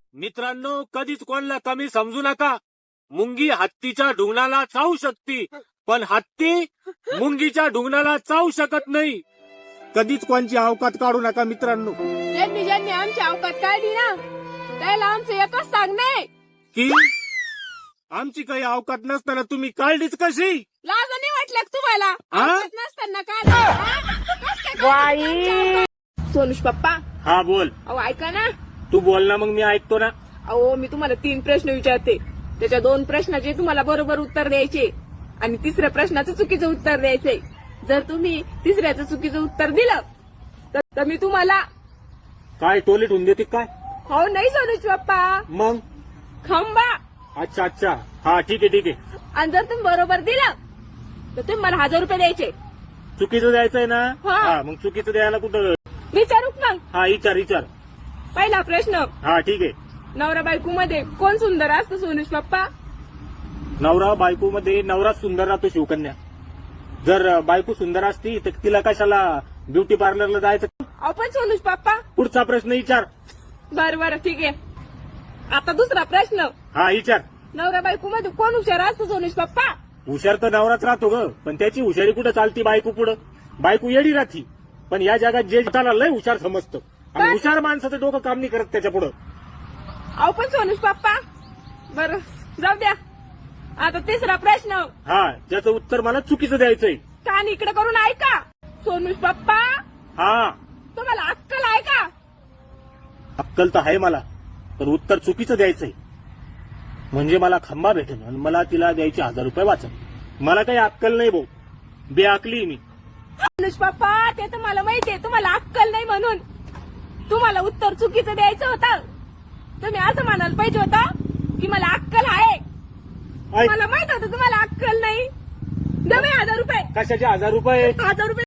मित्रांनो, कधीच कोणाला कमी समजू नका. मुंगी हत्तीच्या ढुंगणाला चावू शकते, पण हत्ती मुंगीच्या ढुंगणाला चावू शकत नाही. कधीच कोणची अवकात काढू नका मित्रांनो. ज्यांनी ज्यांनी आमची अवकात काढली ना त्याला आमचं एकच सांगणे की आमची काही अवकात नसताना तुम्ही काढलीच कशी? लाज नाही वाटलं का तुम्हाला? हा? अवकात नसताना काय सोनुष पप्पा, हा बोल. अहो ऐका ना. तू बोल ना, मग मी ऐकतो ना. अहो मी तुम्हाला 3 प्रश्न विचारते, त्याच्या 2 प्रश्नाचे तुम्हाला बरोबर उत्तर द्यायचे आणि 3ऱ्या प्रश्नाचं चुकीचं उत्तर द्यायचंय. जर तुम्ही 3ऱ्याचं चुकीचं उत्तर दिलं तर मी तुम्हाला काय टोलेट होऊन देते काय? हो नाही सोनुष पप्पा, मग खंबा. अच्छा अच्छा, हा ठीक आहे ठीक आहे. आणि जर तुम्ही बरोबर दिलं तर तुम्ही मला 1000 रुपये द्यायचे. चुकीचं द्यायचंय ना? हा. हा, मग चुकीचं द्यायला कुठं? विचारू का मग? हा विचार विचार. पहिला प्रश्न, हा ठीक आहे. नवरा बायको मध्ये कोण सुंदर असतं सोनुष पप्पा? नवरा बायको मध्ये नवरा सुंदर राहतो शिवकन्या. जर बायको सुंदर असती तर तिला कशाला ब्युटी पार्लरला जायचं? आपण सोनुष पप्पा. पुढचा प्रश्न विचार. बरं ठीक आहे. आता 2रा प्रश्न, हा विचार. नवरा बायको मध्ये कोण हुशार असतं सोनुष पप्पा? हुशार तर नवराच राहतो ग, पण त्याची हुशारी कुठं चालती बायको पुढं? बायको येडी राहती, पण या जगात जे त्याला लय हुशार समजतं आणि काय? हुशार माणसाचं डोकं काम नाही करत त्याच्या पुढं. आपण सोनुष पप्पा. बरं जाऊ द्या. आता 3रा प्रश्न, हा, ज्याचं उत्तर मला चुकीचं द्यायचंय. कान इकडे करून ऐका. सोनुष पप्पा, हा, तुम्हाला अक्कल आहे का? अक्कल तर आहे मला, पण उत्तर चुकीचं द्यायचंय म्हणजे मला खंबा भेटेल आणि मला तिला द्यायचे 1000 रुपये वाचन. मला काही अक्कल नाही भाऊ, बेअक्ली मी. सोनुष पप्पा, ते तर मला माहितीये तुम्हाला अक्कल नाही म्हणून. तुम्हाला उत्तर चुकीचं द्यायचं होतं. तुम्ही असं म्हणायला पाहिजे होतं की मला अक्कल आहे. ऐक, मला माहित होतं तुम्हाला अक्कल नाही. द्या बाई 1000 रुपये. कशाचे 1000 रुपये? 1000 रुपये